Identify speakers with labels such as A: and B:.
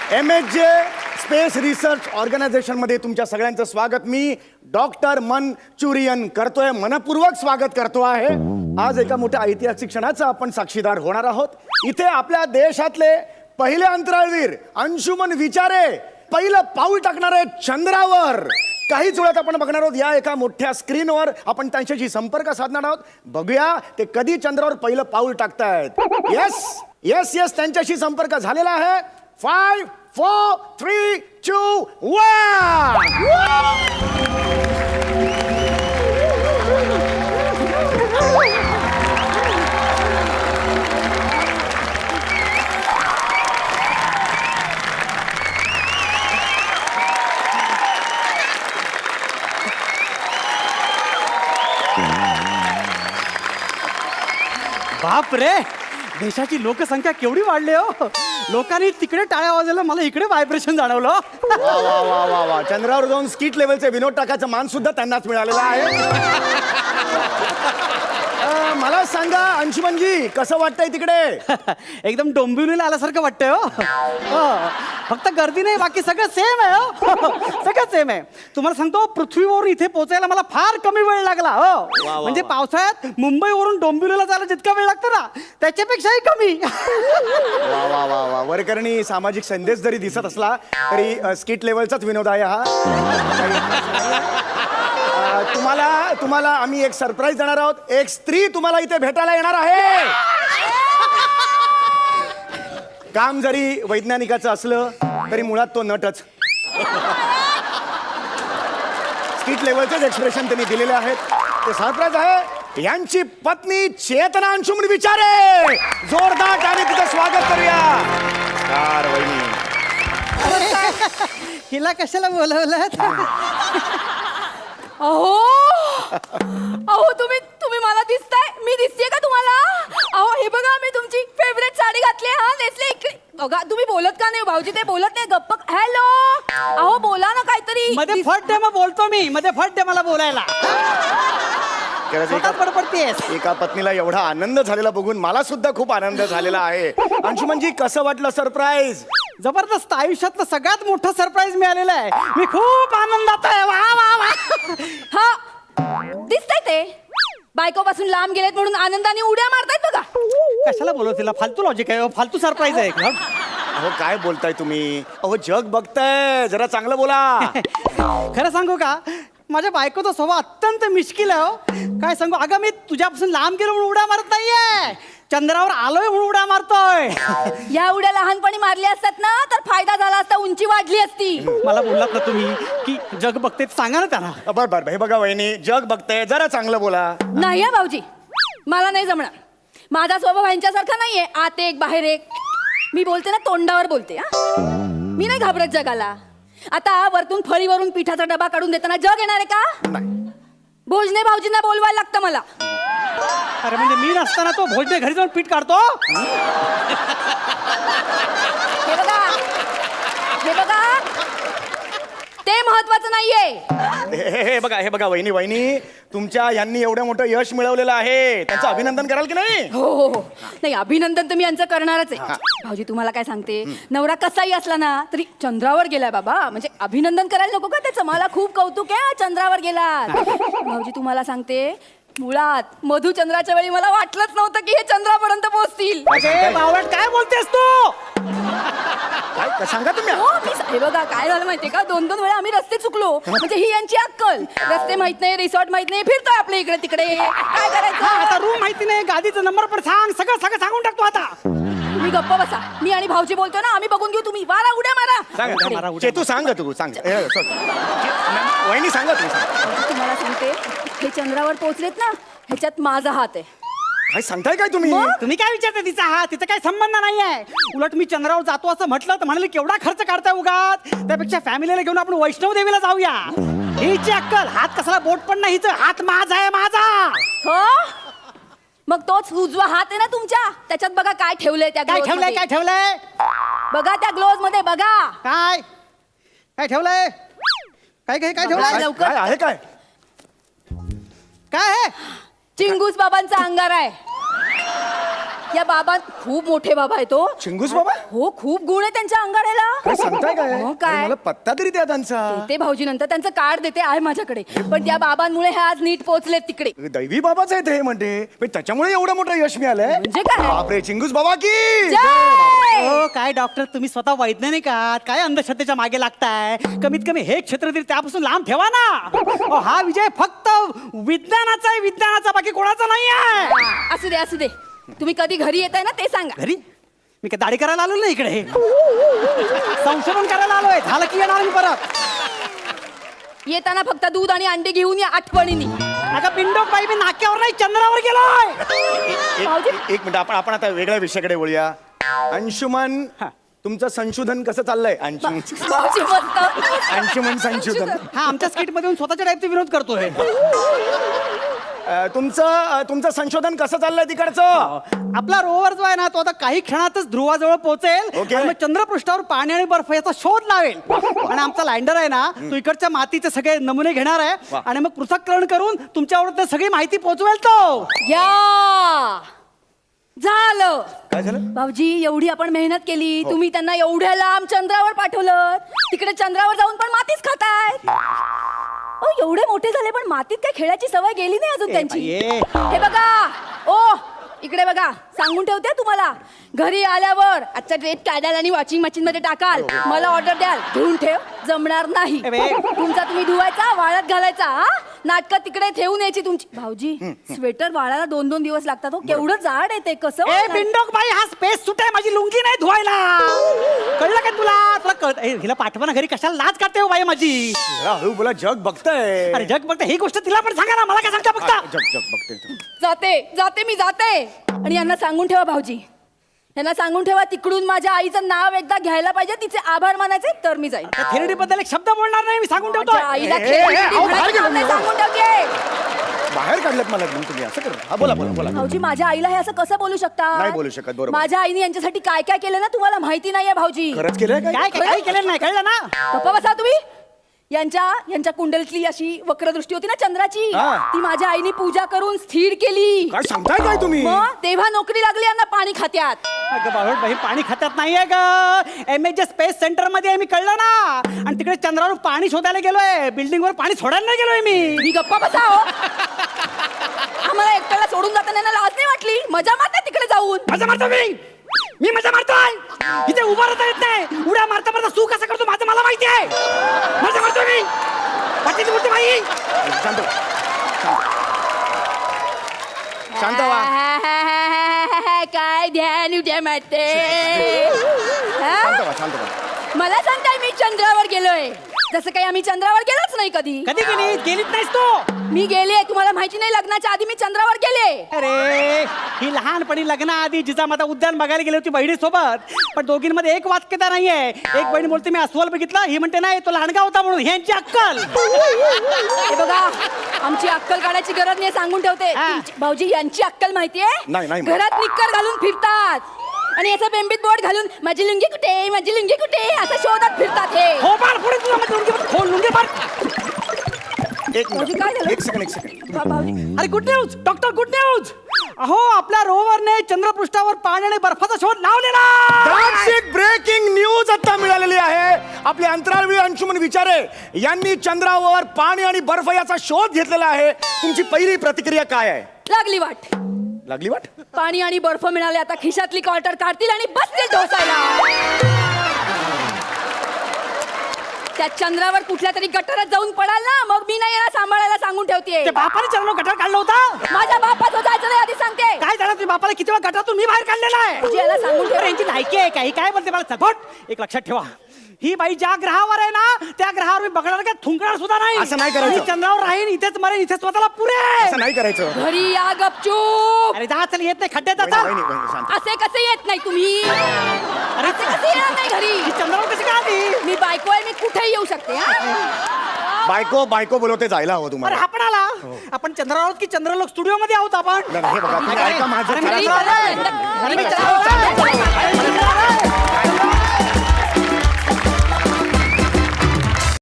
A: MHJ space research ऑर्गनायझेशनमध्ये तुमच्या सगळ्यांचं स्वागत. मी डॉक्टर मनचुरियन करतोय, मनपूर्वक स्वागत करतो आहे. आज एका मोठ्या ऐतिहासिक क्षणाचा आपण साक्षीदार होणार आहोत. इथे आपल्या देशातले पहिले अंतराळवीर अंशुमन विचारे पहिलं पाऊल टाकणार आहेत चंद्रावर. काहीच वेळात आपण बघणार आहोत या एका मोठ्या स्क्रीनवर. आपण त्यांच्याशी संपर्क साधणार आहोत. बघूया ते कधी चंद्रावर पहिलं पाऊल टाकतायत. येस येस येस, त्यांच्याशी संपर्क झालेला आहे. 5 4 3 2 1.
B: बाप रे, देशाची लोकसंख्या केवढी वाढली हो. लोकांनी तिकडे टाळ्या वाजवल्या, मला इकडे व्हायब्रेशन जाणवलं.
A: वा वा वा वा वा, चंद्रावर जाऊन स्किट लेवलचे विनोद टाकायचा मान सुद्धा त्यांनाच मिळालेला आहे. मला सांगा अंशुमनजी, कसं वाटतंय तिकडे?
B: एकदम डोंबिवलीला आल्यासारखं वाटतंय हो. फक्त गर्दी नाही, बाकी सगळं सेम आहे हो. सगळं सेम आहे. तुम्हाला सांगतो, पृथ्वीवरून इथे पोहोचायला मला फार कमी वेळ लागला हो. म्हणजे पावसाळ्यात मुंबईवरून डोंबिवलीला जायला जितका वेळ लागतो ना, त्याच्यापेक्षाही कमी.
A: वा वा वा वा, वरकरणी सामाजिक संदेश जरी दिसत असला तरी स्किट लेवलचाच विनोद आहे हा. तुम्हाला आम्ही एक सरप्राईज देणार आहोत. एक स्त्री तुम्हाला इथे भेटायला येणार आहे. काम जरी वैज्ञानिकाचं असलं तरी मुळात तो नटच. स्किट लेवलचेच एक्सप्रेशन त्यांनी दिलेले आहेत. ते सरप्राईज आहे. यांची पत्नी चेतना अंशुमन विचारे. जोरदार टाळी तिचं स्वागत करूया. वहिनी,
B: हिला कशाला बोलवलं?
C: अहो अहो, तुम्ही मला दिसताय, मी दिसतेय का तुम्हाला? अहो हे बघा, मी तुमची फेवरेट साडी घातली. हा नेसले. इकडे बघा. तुम्ही बोलत का नाही भाऊजी? ते बोलत नाही, गप्प. हॅलो, अहो बोला ना काहीतरी.
B: मध्ये फट दे, मग बोलतो मी. मध्ये फट दे मला बोलायला.
A: एका पत्नीला एवढा आनंद झालेला बघून मला सुद्धा खूप आनंद झालेला आहे. अंशुमनजी, कसं वाटलं सरप्राईज?
B: जबरदस्त. आयुष्यातलं सगळ्यात मोठं सरप्राईज मिळालेलं आहे. मी खूप आनंदात आहे. वा वा वा.
C: हा दिसतंय ते बायकोपासून लांब गेलेत म्हणून आनंदाने उड्या मारतायत बघा.
B: कशाला बोलवतीला? फालतू लॉजिक आहे, फालतू सरप्राईज आहे.
A: अहो काय बोलताय तुम्ही? अहो जग बघताय, जरा चांगलं बोला.
B: खरं सांगू का, माझ्या बायकोचा स्वभाव अत्यंत मिश्किल आहे हो. काय सांगू, अगं मी तुझ्यापासून लांब गेलो म्हणून उड्या मारत नाहीये, चंद्रावर आलोय म्हणून उड्या मारतोय.
C: या उड्या लहानपणी मारल्या असतात ना तर फायदा झाला असता, उंची वाढली असती.
B: मला बोललात ना तुम्ही की जग बघते, सांगा ना त्यांना.
A: बर हे बघा वहिनी, जग बघताय, जरा चांगलं बोला.
C: नाही हा भाऊजी, मला नाही जमणार. माझा स्वभाव यांच्यासारखा नाहीये, आत एक बाहेर एक. मी बोलते ना तोंडावर बोलते. हा, मी नाही घाबरत जगाला. आता वरतून फळीवरून पिठाचा डबा काढून देताना जग येणार आहे का? भोजने भाऊजींना बोलवायला लागतं मला.
B: अरे म्हणजे मी नसताना तो भोजने घरी जाऊन पीठ काढतो?
C: हे बघा, हे बघा, ते महत्वाचं नाहीये.
A: हे बघा वहिनी, तुमच्या यांनी एवढं मोठं यश मिळवलेलं आहे, त्यांचं अभिनंदन कराल की नाही?
C: हो, नाही अभिनंदन तर मी यांचं करणारच आहे. भाऊजी तुम्हाला काय सांगते, नवरा कसाही असला ना तरी चंद्रावर गेलाय बाबा, म्हणजे अभिनंदन करायला नको का त्याचं? मला खूप कौतुक आहे, चंद्रावर गेला. भाऊजी तुम्हाला सांगते, मुळात मधुचंद्राच्या वेळी मला वाटलंच नव्हतं की हे चंद्रापर्यंत पोहोचतील.
B: काय बोलतेस तू?
A: काय सांगा तुम्ही?
C: हे बघा काय झालं माहितीये का, 2-2 वेळा आम्ही रस्ते चुकलो. म्हणजे ही यांची अक्कल. रस्ते माहित नाही, रिसॉर्ट माहित नाही, फिरतोय आपल्या इकडे तिकडे. काय करायचं?
B: आता रूम माहिती नाही, गादीचा नंबर पण सांग, सगळं सांगून टाकतो आता.
C: तुम्ही गप्प बसा. मी आणि भाऊजी बोलतो ना, आम्ही बघून घेऊ. तुम्ही वारा उड्या मारा.
A: तू सांग वहिनी, सांगा
C: तुम्हाला सांगते, हे चंद्रावर पोहोचलेत ना, ह्याच्यात माझा हात आहे.
A: काय सांगताय काय तुम्ही?
B: तुम्ही काय विचारता तिचा हात? तिचा काही संबंध नाहीये. उलट मी चंद्रावर जातो असं म्हटलं तर म्हणाले केवढा खर्च काढताय उगाच, त्यापेक्षा फॅमिलीला घेऊन आपण वैष्णव देवीला जाऊया. हिची अक्कल, हात कसला बोट पण नाही, हिचं हात माझा आहे, माझा.
C: हो, मग तोच उजवा हात आहे ना तुमच्या, त्याच्यात बघा काय ठेवलंय. त्या
B: काय ठेवलंय? काय ठेवलंय?
C: बघा त्या ग्लोव्ज मध्ये बघा.
B: काय काय ठेवलंय? काय काय काय ठेवलंय?
C: लवकर.
A: काय आहे? काय
B: काय आहे?
C: चिंगूस बाबांचा अंगार आहे. या बाबा खूप मोठे बाबा आहे तो.
A: चिंगूस बाबा
C: हो खूप गुण आहे त्यांच्या अंगाड्याला.
A: काय सांगताय काय
C: हो, काय?
A: अरे, मला पत्ता तरी द्या त्यांचा.
C: ते भाऊजी नंतर त्यांचं कार्ड देते आहे माझ्याकडे. पण त्या बाबांमुळे हे आज नीट पोहोचले तिकडे.
A: दैवी बाबाच आहे ते म्हणते पण त्याच्यामुळे एवढं मोठं यश मिळालंय.
C: म्हणजे काय?
A: बापरे चिंगूस बाबा की
C: जय!
B: हो काय डॉक्टर तुम्ही स्वतः वैज्ञानिक आहात, काय अंधश्रद्धेच्या मागे लागताय. कमीत कमी हे क्षेत्र तरी त्यापासून लांब ठेवा ना. अहो, हा विजय फक्त विज्ञानाचा आहे, विज्ञानाचा, बाकी कोणाचा नाही आहे.
C: असू दे असू दे. तुम्ही कधी घरी येताय ना ते सांगा.
B: घरी मी काय दाढी करायला आलो ना इकडे, संशोधन करायला आलोय. झालं की येणार मी परत.
C: येताना फक्त दूध आणि अंडे घेऊन या आठवणीने.
B: अगं पिंडोक बाई, मी नाक्यावर नाही चंद्रावर गेलोय.
A: एक मिनिट आपण आता वेगळ्या विषयाकडे वळूया. अंशुमन
B: हा.
A: तुमचं संशोधन कसं चाललंय? अंशुमन
C: भाऊजी मस्त.
A: अंशुमन संशोधन
B: हा आमच्या स्किट मध्ये स्वतःच्या टाईपचा विरोध करतोय.
A: तुमचं संशोधन कसं चाललंय तिकडचं?
B: आपला रोवर जो आहे ना तो आता काही क्षणातच ध्रुवाजवळ पोहोचेल.
A: ओके.
B: आणि मग चंद्रपृष्ठावर पाणी आणि बर्फ याचा शोध लावेल. आणि आमचा लँडर आहे ना तो इकडच्या मातीचे सगळे नमुने घेणार आहे
A: वा.
B: आणि मग पृथक्करण करून तुमच्यावर सगळी माहिती पोहोचवेल तो.
C: या झालं.
A: काय झालं?
C: भाऊजी एवढी आपण मेहनत केली, तुम्ही त्यांना एवढ्या लांब चंद्रावर पाठवलं, तिकडे चंद्रावर जाऊन पण मातीच खाताय. एवढे मोठे झाले पण मातीत काय खेळायची सवय गेली नाही अजून त्यांची.
B: बाई.
C: हे बघा ओ इकडे बघा, सांगून ठेवते तुम्हाला, घरी आल्यावर आजचा ड्रेस काढाल आणि वॉशिंग मशीन मध्ये टाकाल, मला ऑर्डर द्याल, घेऊन ठेव, जमणार नाही.
B: ए बे.
C: तुमचा तुम्ही धुवायचा, वाळत घालायचा. हा नाटकं तिकडे ठेवून यायची तुमची. भाऊजी स्वेटर वाळायला 2-2 दिवस लागतात. हो केवढं जाड आहे ते, कसं
B: ए
C: वाळणार?
B: पिंडोक बाई, हा स्पेस सूट आहे, माझी लुंगी नाही धुवायला. कळलं का तुला? तुला कळत हिला पाठवा ना घरी, कशाला लाज काढते हो बाई माझी.
A: जरा हळू बोला, जग बघताय.
B: अरे जग बघते ही गोष्ट तिला पण सांगा ना, मला काय सांगता बघता.
A: जग बघते.
C: जाते मी जाते. आणि यांना सांगून ठेवा भाऊजी, यांना सांगून ठेवा तिकडून माझ्या आईचं नाव एकदा घ्यायला पाहिजे, तिचे आभार मानायचे, तर मी जाईन.
B: थेरडी बद्दल एक शब्द बोलणार नाही, मी सांगून ठेवतो.
C: माझ्या आईला
A: ए, ए,
C: खेळायची
A: ए, अहो, बाहेर गेलो मी.
C: सांगून ठेवते.
A: बाहेर काढलं मला एकदम तुम्ही असं करा. हा बोला बोला बोला.
C: भाऊजी माझ्या आईला हे असं कसं बोलू शकता?
A: नाही बोलू शकत, बरोबर.
C: माझ्या आईने यांच्यासाठी काय काय केलं ना तुम्हाला माहिती नाहीये भाऊजी.
A: खरंच केलंय काय?
B: काय काय केलेलं नाही, कळलं ना?
C: गप्पा बसा तुम्ही. यांच्या कुंडलीतली अशी वक्रदृष्टी होती ना चंद्राची,
A: हा.
C: ती माझ्या आईने पूजा करून स्थिर केली.
A: काय सांगताय काय तुम्ही?
C: मग तेव्हा नोकरी लागली यांना पाणी खात्यात.
B: अगं बाबा बाई, पाणी खात्यात नाहीये ग. MH स्पेस सेंटर मध्ये आहे मी, कळलं ना? आणि तिकडे चंद्रावर पाणी शोधायला गेलोय, बिल्डिंग वर पाणी सोडायला नाही गेलोय मी.
C: मी गप्पा बसा हो. आम्हाला एकट्याला सोडून जाताना यांना लाज नाही वाटली? मजा मारते तिकडे जाऊन.
B: मजा मारतो मी मजा मारतोय. इथे उभा राहता येत नाही, उड्या मारता मारता सू कसा करतो माझं मला माहिती आहे. मजा मारतो मी. वाटेची बोलते बाई.
A: शांत व्हा. शांत व्हा.
C: काय ध्यान उद्या मारते.
A: शांत व्हा, शांत व्हा.
C: मला सांगताय मी चंद्रावर गेलोय, जसं काही आम्ही चंद्रावर गेलोच नाही कधी.
B: कधी गेलीच नाहीस तू.
C: मी गेले, तुम्हाला माहिती नाही, लग्नाच्या आधी मी चंद्रावर गेले.
B: अरे ही लहानपणी लग्नाआधी जिजामाता उद्यान बघायला गेली होती बहिणीसोबत, पण दोघींमध्ये एक वाक्यता नाहीये. एक बहीण बोलते मी अस्वल बघितला, ही म्हणते नाही तो लहानगा होता म्हणून. ह्यांची अक्कल.
C: हे बघा, आमची अक्कल काढायची गरज नाही, सांगून ठेवते.
B: हा.
C: भाऊजी यांची अक्कल माहितीये?
A: नाही.
C: घरात निक्कर घालून फिरतात आणि याचा बेंबीत बोट घालून माझी लुंगी कुठे, माझी लुंगी कुठे असं शोधत फिरतात हे.
B: हो बाळ पुढे तुला म्हणजे लुंगी मार.
A: एक
C: भाऊजी,
A: मिनिट.
C: काय झालं?
A: एक सेकंड.
C: भाऊजी
B: अरे good news doctor, good news. अहो आपल्या रोवरने चंद्रपृष्ठावर पाणी आणि बर्फाचा शोध लावलेला.
A: That's it, ब्रेकिंग न्यूज आता मिळालेली आहे. आपले अंतराळवीर अंशुमन विचारे यांनी चंद्रावर पाणी आणि बर्फ याचा शोध घेतलेला आहे. तुमची पहिली प्रतिक्रिया काय आहे?
C: लागली वाट.
A: लागली वाट?
C: पाणी आणि बर्फ मिळाले, आता खिशातली क्वार्टर काढतील आणि बसतील ढोसायला. त्या चंद्रावर कुठल्या तरी गटारात जाऊन पडाल ना, मग मी नाही याला सांभाळायला सांगून ठेवते.
B: ते बापाने चंद्र गटार काढला होता.
C: माझ्या बापाचं जायचं नाही आधी सांगते.
B: काय झालं तुझ्या बापाला किती वेळा गटारातून मी बाहेर काढलेला आहे.
C: भाऊजी, याला सांगून ठेवा.
B: अरे, यांची लायकी आहे काही काय बोलते मला सपोर्ट. एक लक्षात ठेवा, ही बाई ज्या ग्रहावर आहे ना त्या ग्रहावर मी बघणार काय थुंकणार सुद्धा नाही.
A: असं नाही करायचं.
B: मी चंद्रावर राहीन, इथेच मरेन, इथे स्वतःला पुरे.
A: असं नाही करायचं.
C: घरी या गपचूप.
B: अरे जा चल, येत नाही खड्ड्यात
A: वहिनी,
B: आता.
A: वहिनी, वहिनी, शांत.
C: असे कसे येत नाही तुम्ही?
B: अरे
C: असे कसे येणार नाही घरी?
B: ही चंद्रावर कशी काय आली?
C: मी बायको आहे, मी कुठेही येऊ शकते. हा?
A: बायको बोलवते जायला हवं
B: अरे
A: तुम्हाला.
B: हा पण आला. आपण चंद्रावर आहोत की चंद्रलोक स्टुडिओ मध्ये आहोत आपण?
A: नाही, हे बघा, तुम्ही ऐका माझं.
B: अरे,
C: घरी
A: चला, चला.
C: चला. घरी चला.